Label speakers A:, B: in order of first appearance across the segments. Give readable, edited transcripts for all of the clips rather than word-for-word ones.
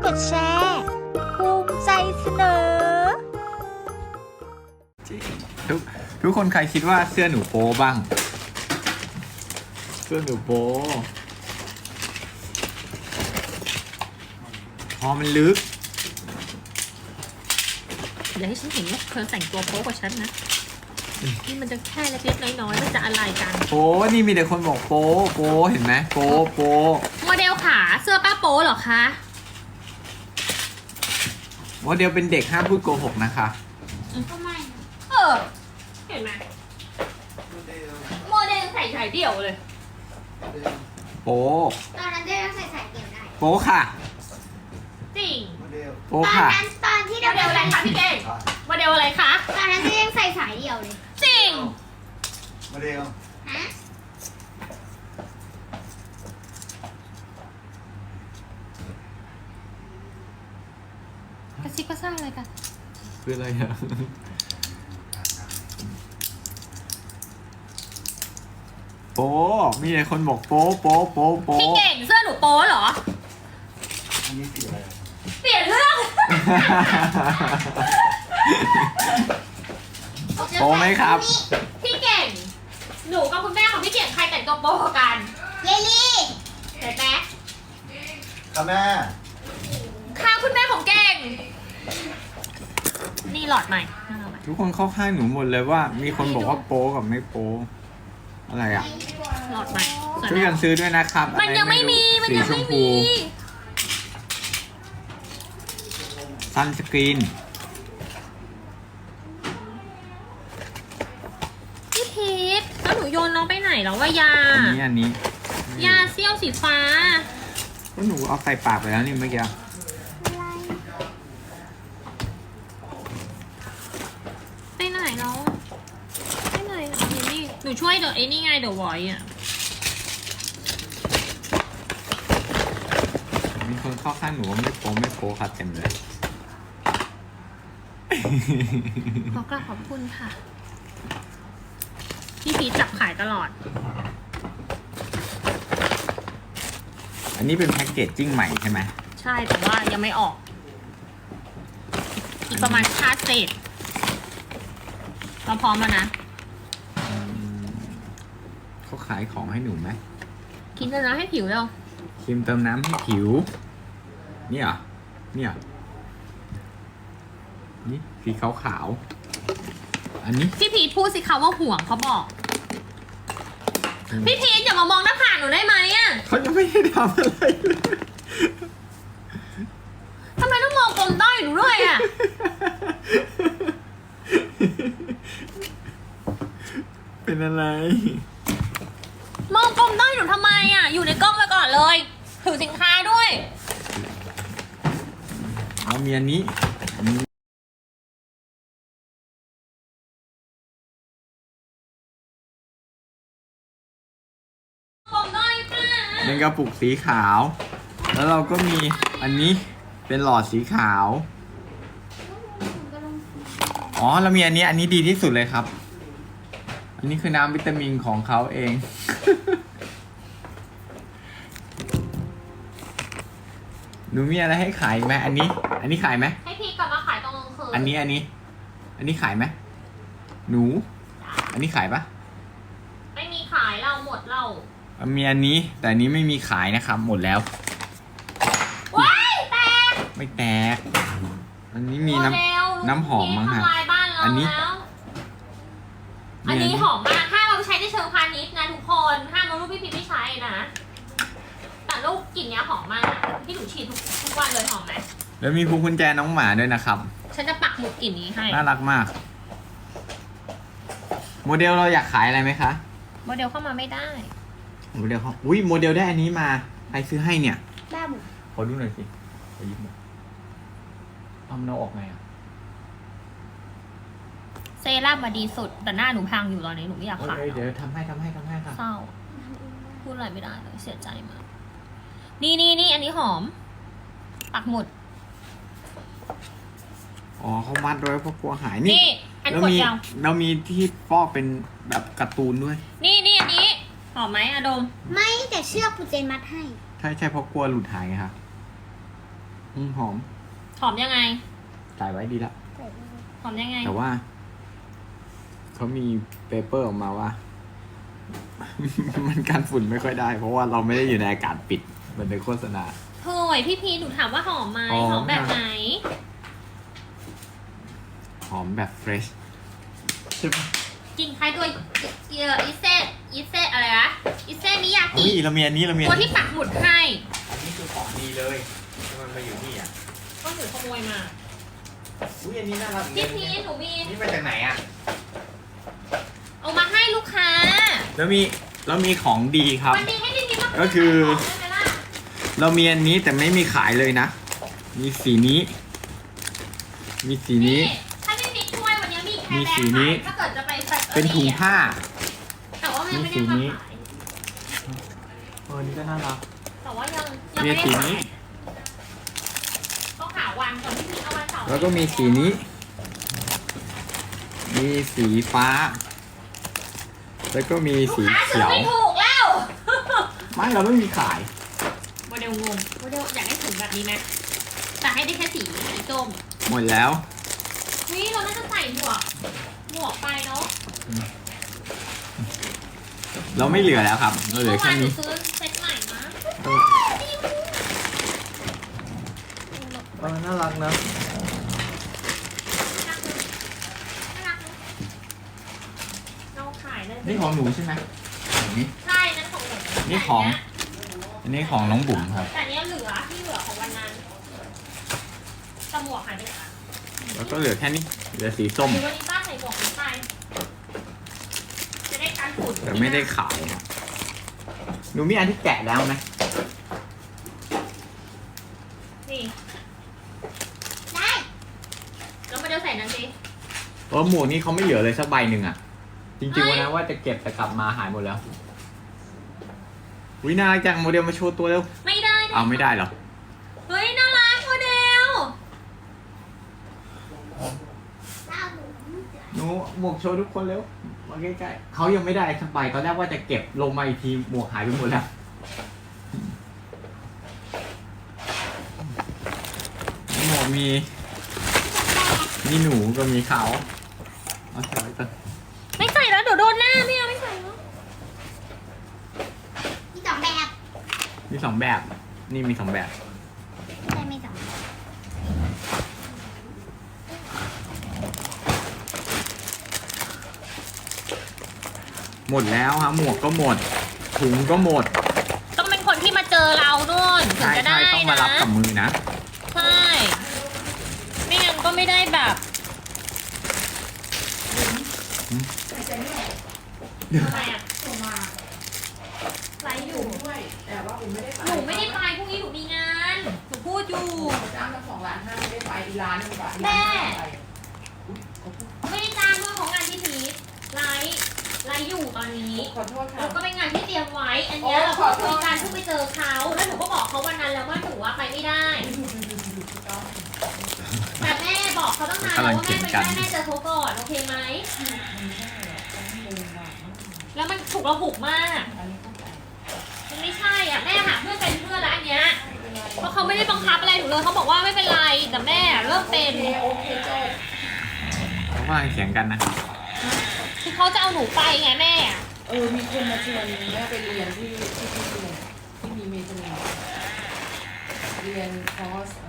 A: ดแชร์ภูมิใจเสนอ
B: ทุกคนใครคิดว่าเสื้อหนูโป๊บ้างเสื้อหนูโป๊พอมันลึก
C: อย่าให้ฉันเห็นว่าเธอแต่งตัวโป๊กว่าฉันนะนี่มันจะแค่เล็กๆน้อยๆมันจะอะไรกัน
B: โป๊นี่มีแต่คนบอกโป๊เห็นไหมโป๊
C: โมเดลขาเสื้อป้าโป๊เหรอคะ
B: โมเดลเป็นเด็กห้ามพูดโกหกนะคะ
C: ทำไมเห็นไหมโมเดลใส่เดี่ยวเลย
B: โป๊
D: ตอนนั้นเดลใส่เดี่ยวได้
B: โป๊ค่ะ
C: จริง
B: โป๊ค่ะ
D: ตอนที่
C: โมเดลอะไรคะพี่เก่งโมเดลอะไรคะ
D: ตอนนั้นเดลยังใส่สายเดี่ยวเลย
C: จริง
D: โมเดลฮะ
C: กระซิบกระซ่าอะไรกัน
B: คืออะไรอะโป๊มีแต่คนบอกโป๊
C: พี่เก่งเสื้อหนูโป๊เหรอ
D: อันนี้สีอะไร
C: เปลี่ยนเรื่อง
B: โป๊ไหมครับ
C: พี่เก่งหนูกับคุณแม่ของพี่เก่งใครแต่งตัวโป๊กัน
D: เยลี่
C: เห็นไหม
D: ค่ะแม่
C: ค่ะคุณแม่ของเก่งนี่หลอดใหม่
B: ทุกคนเข้าข้างหนูหมดเลยว่ามีคนบอกว่าโป๊กับไม่โป๊อะไรอ่ะ
C: หลอดใหม่
B: ช่วยกันซื้อด้วยนะครับ
C: มันยังไม่มี
B: ซันสกรีน
C: พี่พีทแล้วหนูโยนน้องไปไหนแล้วว่ายา
B: อันนี้
C: ยาเซี่ยวสีฟ้า
B: ก็หนูเอาใส่ปากไปแล้วนี่เมื่อกี้
C: ไปไหนแล้วไปไหนนี่หนูช่วยเดี๋ยวไอ้นี่ไงเดี๋ยวไว้อ่ะ
B: มีคนเข้าข้างหนูว่าไม่โป๊ค่ะเต็มเลย
C: ขอกราบขอบคุณค่ะพี่พีชจับขายตลอด
B: อันนี้เป็นแพ็กเกจจิ้งใหม่ใช่ไหม
C: ใช่แต่ว่ายังไม่ออกอีกประมาณค่าเศษเราพร้อมแล้วนะ
B: เขาขายของให้หนูไหม
C: กินเติมน้ำให้ผิวแล้ว
B: ครีมเติมน้ำให้ผิวนี่เหรอนี่สีขาวอันนี้
C: พี่พีทพูดสิคะว่าห่วงเขาบอกพี่พีทอย่ามามองหน้าผากหนูได้ไหมอ่ะ
B: เขายังไม่ได้ทำอะไรเลย
C: ทำไมต้องมองกลมด้อยหนูด้วยอ่ะ
B: เป็นอะไร
C: มองกลมด้อยหนูทำไมอ่ะอยู่ในกล้องไปก่อนเลยถือสินค้าด้วย
B: เอามีอันนี้เป็นกระปุกสีขาวแล้วเราก็มีอันนี้เป็นหลอดสีขาวอ๋อเรามีอันนี้ดีที่สุดเลยครับอันนี้คือน้ำวิตามินของเขาเองหนูมีอะไรให้ขายไหมอันนี้ขายไหม
C: ให้พี่กลับมาขายตรงกลางคืน
B: อันนี้ขายไหมหนูอันนี้ขายปะ
C: ไม่มีขายเราหมดเรา
B: มีอันนี้แต่อันนี้ไม่มีขายนะครับหมดแล้ว
C: ว้ายแตก
B: ไม่แตกอันนี้มีน้ำหอมมั้งครับอันนี้
C: หอมมากห้ามเราใช้ในเชิงพาณิชย์นะทุกคนห้ามเอารูปพี่พีไม่ใช้นะแต่รูปกลิ่นเนี้ยหอมมากที่หนูฉีดทุกวันเลยหอมไหม
B: แล้วมีพวงกุญแจน้องหมาด้วยนะครับ
C: ฉันจะปักหมุดกลิ่นนี้ให้
B: น่ารักมากโมเดลเราอยากขายอะไรไหมคะ
C: โมเดลเข้ามาไม่ได้
B: โมเดลเขาโมเดลได้อันนี้มาใครซื้อให้เนี่ย
D: บ้าบุ
B: ขอดูหน่อยสิขอยิ้มหน่อยทำเราออกไงอะ
C: เซรั่มมาดีสุดแต่หน้าหนูพังอยู่ตอนนี้หนูไม่อยากขาย
B: เดี๋ยวทำให้ค่ะ
C: เศร้าพูดอะไรไม่ได้เลยเสียใจมากนี่อันนี้หอมปักหมุด
B: อ๋อเขามัดไว้เพราะกลัวหายนี่
C: อันขวดยาว
B: เรามีที่ฟอกเป็นแบบการ์ตูนด้วย
C: นี่อันนี้หอมไหมอะดม
D: ไม่แต่เชือกปูเจนมัดให้
B: ใช่เพราะกลัวหลุดหายไงครับหอม
C: หอมยังไง
B: ใส่ไว้ดีละ
C: หอมยังไง
B: แต่ว่าเขามีเปเปอร์ออกมาว่า มันกันฝุ่นไม่ค่อยได้ เพราะว่าเราไม่ได้อยู่ในอากาศปิดเหมือนในโฆษณา
C: เฮ้ยพี่พีหนูถามว่าหอมไหม
B: หอม
C: หอมแบบไหน
B: หอมแบบเฟรชใช่ปะ
C: กินคล้ายตัวอิเซอะไรนะอิเซมิยากิ
B: นี่เรามีอันนี้เรามี
C: ตัวที่ปักหมุดให้
B: อันนี้คือของดีเลยที่มันมาอยู่นี่อ่ะ
C: ก็หนูขโมยมา
B: อุ้ยอันนี้น่ารัก
C: พี่พีหนูมี
B: นี่มาจากไหนอ่ะ
C: เอามาให้ลูกค้า
B: แล้วมีของดีครับ
C: วันนี้ให้พี่พีมา
B: ก็คือ
C: ได้ไหมล่ะ
B: เรามีอันนี้แต่ไม่มีขายเลยนะ มีสีนี้ มีสีนี้
C: ถ้าพี่พีช่วยวันนี้มีแค่
B: มี
C: แบ
B: สี
C: งค์
B: นี้
C: ขายถ้าเกิดจะไปใส่
B: เป็นถุงผ้า
C: แต่ว่ามันยังไม่ได้
B: มีสี
C: มา
B: นี้
C: ขาย
B: อันนี้ก็น่ารัก
C: แต่ว่ายัง
B: มี
C: ไม่ได้
B: สี
C: ขาย
B: นี้
C: ต้องหาวันก่อนพี่พีเอาวันเสาร์
B: แล้วก็มีสีนี้ มีสีฟ้า แล้วก็มีสี
C: ลูกค้า
B: เขี
C: ซื้อ
B: ยว
C: ไม่ถูกแล้ว
B: ไม่เราไม่มีขาย
C: โมเดลงงโมเดลอยากได้ถุงแบบนี้ไหมแต่ให้ได้แค่สีส้ม
B: หมดแล้ว
C: เฮ้ยเราน่าจะใส่หมวกไปเนาะ
B: เราไม่เหลือแล้วครับ เราเหลือ
C: เมื่อ
B: แค่
C: วานหนู
B: นี้
C: ซื้อเซ็ตใหม่นะ
B: น่ารักนะ
C: น่ารักเลยเราขายเลย
B: นี่ของหนูใช่ไหมนี่
C: ใช่นั่นของหนู
B: นี่ของ อันนี้ของน้องบุ๋มครับ
C: แต่เนี้ยเหลือที่เหลือของวันนั้นแต่หมวกหายไปไหนอะ
B: แล้วก็เหลือแค่นี้ เหลือสีส้ม
C: หรือวันนี้ป้าใส่หมวกนี้ไปจะได้การฝุ่น
B: แต่ไม่ได้ขายอะหนูมีอันที่แกะแล้วไหม
C: นี่
A: ได้
C: แล้วมาเดี๋ยวใส่นั้นสิ
B: เพราะหมวกนี้เขาไม่เหลือเลยสักใบหนึ่งอ่ะ จริงๆวันนั้นว่าจะเก็บแต่กลับมาหายหมดแล้ววิน่ารักจังโมเดลมาโชว์ตัวเร็ว
C: ไม่ได้นะ
B: เอาไม่ได้เหรอ
C: เฮ้ยน่ารักโมเดล
B: หนูหมวกโชว์ทุกคนเร็ว มาใกล้ๆเขายังไม่ได้สักใบตอนแรกว่าจะเก็บลงมาอีกทีหมวกหายไปหมดแล้วหมวกมีหนูก็มีเขาเอาใส่ไว้ก่อน
C: ไม่ใส่แล้วเดี๋ยวโดนหน้าไม่เอาไม่ใส่แล้ว
A: มีสองแบบ
B: มีสองแบบ นี่มีสองแบบ
A: ใช่มีสองแบบ
B: หมดแล้วฮะหมวกก็หมด ถุงก็หมด
C: ต้องเป็นคนที่มาเจอเรานู่นถึง
B: ใช่
C: จะได้
B: ใช่ต้องมา
C: นะ
B: รับกับมือนะ
C: ใช่ไม่งั้นก็ไม่ได้แบบอะไรอ่ะไลฟ์อยู่
E: ด้วยแต่ว่าผมไม่ได้ไป
C: หนูไม่ได้ไปพรุ่งนี้หนูมีงานหนูพูดอยู่
E: จ้างเจ้าของร้านห้างไม่ได้ไปอีร้านหนึงไป
C: แม่ ไม่ได้จ้างด้วยของงานที่พีทไลฟ์อยู่ตอนนี้
E: ขอโทษค่ะ
C: แล้วก็เป็นงานที่เตรียมไว้ อันเนี้ยเราก็คุยกันเพิ่งไปเจอเขาแล้วหนูก็บอกเขาวันนั้นแล้วว่าหนูว่าไปไม่ได้ แต่แม่บอกเขาต้องนานแล้วว่าแม่ไปได้แม่เจอเขาก่อนโอเคไหม แล้วมันถูกระหุกมาก มันไม่ใช่อ่ะแม่หาเพื่อนเป็นเพื่อนแล้วอันเนี้ย เพราะเขาไม่ได้บังคับอะไรหนูเลยเขาบอกว่าไม่เป็นไรแต่แม่เริ่มเป็น
E: โอเคโจ้
B: เขากำลังเถียงกันนะ
C: คือเขาจะเอาหนูไปไงแม่
E: มีคนมาชวนแม่ไปเรียนที่เรียนที่มีเมเจอร์เรียนคอร์ส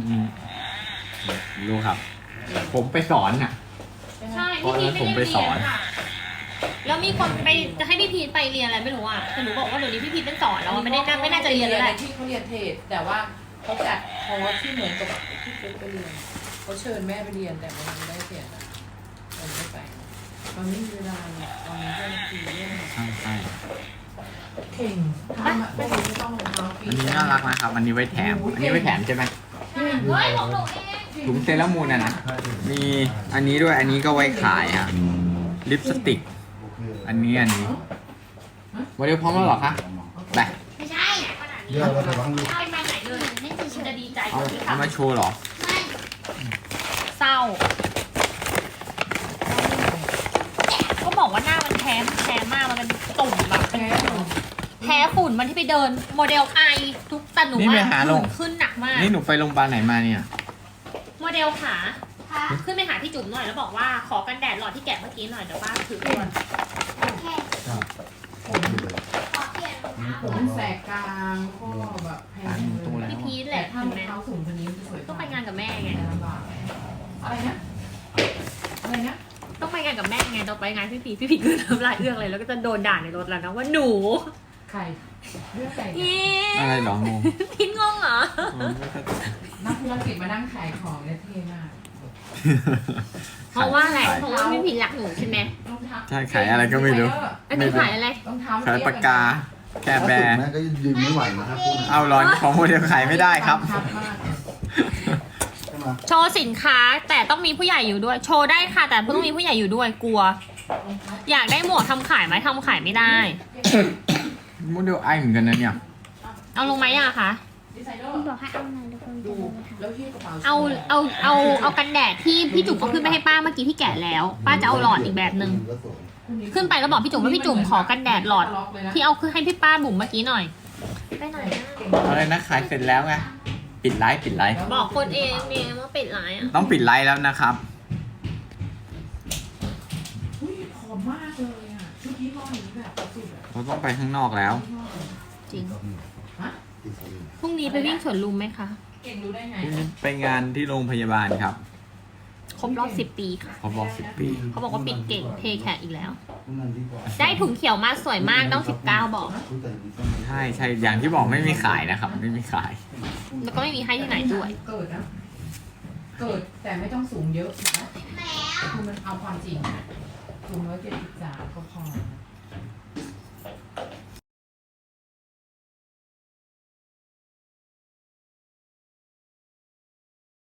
B: รู้ครับ ผมไปสอนน่ะ
C: ใช่
B: เพราะ
C: พี่
B: ฉะนั้น
C: พีท
B: ผมไป
C: ไม่ได้
B: ส
C: เรี
B: อย น
C: นค่ะ แล้วมีคนไปจะให้พี่พีทไปเรียนอะไรไม่รู้อ่ะแต่หนูบอกว่าเดี๋ยวนี้พี่พีทเป็นสอนแล้วอะไม่น่าจะเรียนแล้วแหละ
E: ที่เขาเรียนเทรดแต่ว่าเขาจัดคอร์สที่เหมือนกับที่ฟุ๊กไปเรียนเขาเชิญแม่ไปเรียนแต่มันไม่ได้เสียนะมันไม่ไปตอนนี้มีเวลาเนี่ยตอนนี้ก็คือเรื่อง
B: ใช่ใช่
E: เก่งทำอะไม่ต้องรองเท้าปี
B: อันนี้น่ารักนะครับ อันนี้ไว้แถม อันนี้ไว้แถมใช่ไหม
C: เฮ้ยของหนูเอง
B: ถุงเซรามูนนะ มีอันนี้ด้วย อันนี้ก็ไว้ขายฮะ ลิปสติก อันนี้โมเดลพร้อมแล้วเหรอคะไป
A: ไม่ใช่
C: ขนาดนี้
D: เดี๋ยวเราจะวางลูก
C: เอาไปไหนเลย
A: ไม่เฉ
C: มันจะ
A: ย
C: ดีใจ
B: เอา
C: ที่
B: เอามา
C: ทำ
B: โชว์เหรอ
A: ไม่
C: เศร้า ก็บอกว่าหน้ามันแพ้มากมันเป็นตุ่มแบบเป็น
E: แพ้เหรอ
C: แพ้ฝุ่นมันที่ไปเดินโมเดลไอทุกแต่หนู
B: นี่ไปหาลง
C: ขึ้นหนักมาก
B: นี่หนูไปโรงพยาบาลไหนมาเนี่ย
C: โมเดลขา
A: ค่ะ
C: ขึ้นไปหาพี่จุ๋มหน่อยแล้วบอกว่าขอกันแดดหลอดที่แกะเมื่อกี้หน่อยเดี๋ยวป้าถือก่อน
A: โอเค
E: ผม
A: ขอเปลี่ยนรองเท้า
E: ผมแสกกลางข้อแบบแพงเลย
C: พี่พีทแห
E: แต่
C: ละ
E: ถ้า
C: เห็น
E: รอง
C: ไหม
E: เท้าสูงกว่านี้มันจะสวย
C: ต้องไปงานกับแม่ไง
E: ลำบากอะไรนะอะไรนะ
C: ต้องไปงานกับแม่ไงต้องไปงานพี่พีคือน้ำลายเอื้อกเลยแล้วก็จะโดนด่าในรถแล้วนะว่าหนู
E: ใครเรื่องใคร
C: เย้
B: อะไรเหรองง
C: พีทงงเหรอ
E: นักธุรกิจมานั่งขายของเนี่ยเท่มาก
C: เพราะว่าอะไรเพราะว่าพี่พีทรักหนูใช่ไหม
E: รองเท้า
B: ใช่ขายอะไรก็ไม่รู้
C: อันนี้ขายอะไร
E: รองเท้า
B: ขายปากกา แค่
D: ถ้า
B: แบ
D: สุด
B: ร์
D: แม่ก็ยืนไม่ไหวนะครับพูดนะ
B: เอาร้อนของโมเดลขายไม่ได้ครับ
E: ชัดมาก
D: ใช่ไหม
C: โชว์สินค้าแต่ต้องมีผู้ใหญ่อยู่ด้วย โชว์ได้ค่ะ แต่ต้องมีผู้ใหญ่อยู่ด้วยกลัว อยากได้หมวกทำขายไหมทำขายไม่ได้
B: โมเดลไอเหมือนกันนะเนี่ย
C: เอาลงไหมอะคะ
E: ดีไซเนอ
A: คุณ
E: ร์
A: บอกให้เอาหน่อยทุกคน
E: ดู
A: จะเลยค่ะ
E: แล้วที่กระเป๋า
C: เอากันแดดที่พี่จุ๋มเขาขึ้นไปให้ป้าเมื่อกี้ที่แกะแล้ว ป้าจะเอาหลอดอีกแบบหนึ่งขึ้นไปแล้วบอกพี่จุ๋มว่าพี่จุ๋มขอกันแดดหลอด ที่เอาขึ้นให้พี่ป้าบุ๋มเมื่อกี้หน่อยไปหน่อยนะ
B: อะไรนะขายเสร็จแล้วไง ปิดไลฟ์ปิดไลฟ์
C: บอกคนเองเนี่ยว่าปิดไลน์อะ
B: ต้องปิดไลฟ์แล้วนะครับ
E: อุ้ยผอมมากเลยอ่ะชุดยี่ห้อนี้แบบสุดอ่ะ
B: เราต้องไปข้างนอกแล้ว
C: จริง
E: ฮะ
C: พรุ่งนี้ไปวิ่งสวนลุมไหมคะ
E: เก่งรู้ได้ไง
B: ไปงานที่โรงพยาบาลครับ
C: ครบรอบ10 ปีค่ะ
B: เขาบอก10 ปี
C: เขาบอกว่าปิดเก่งเทแขกอีกแล้ว
D: นั่นดีกว่า
C: ได้ถุงเขียวมาสวยมากต้อง19บอก
B: ใช่ใช่อย่างที่บอกไม่มีขายนะครับ ไม่มีขาย
C: แล้วก็ไม่มีให้ที่ไหนด้วย
E: เกิดนะ เกิดแต่ไม่ต้องสูงเยอะนะคือมันเอาความจริงนะสูง173ก็พอ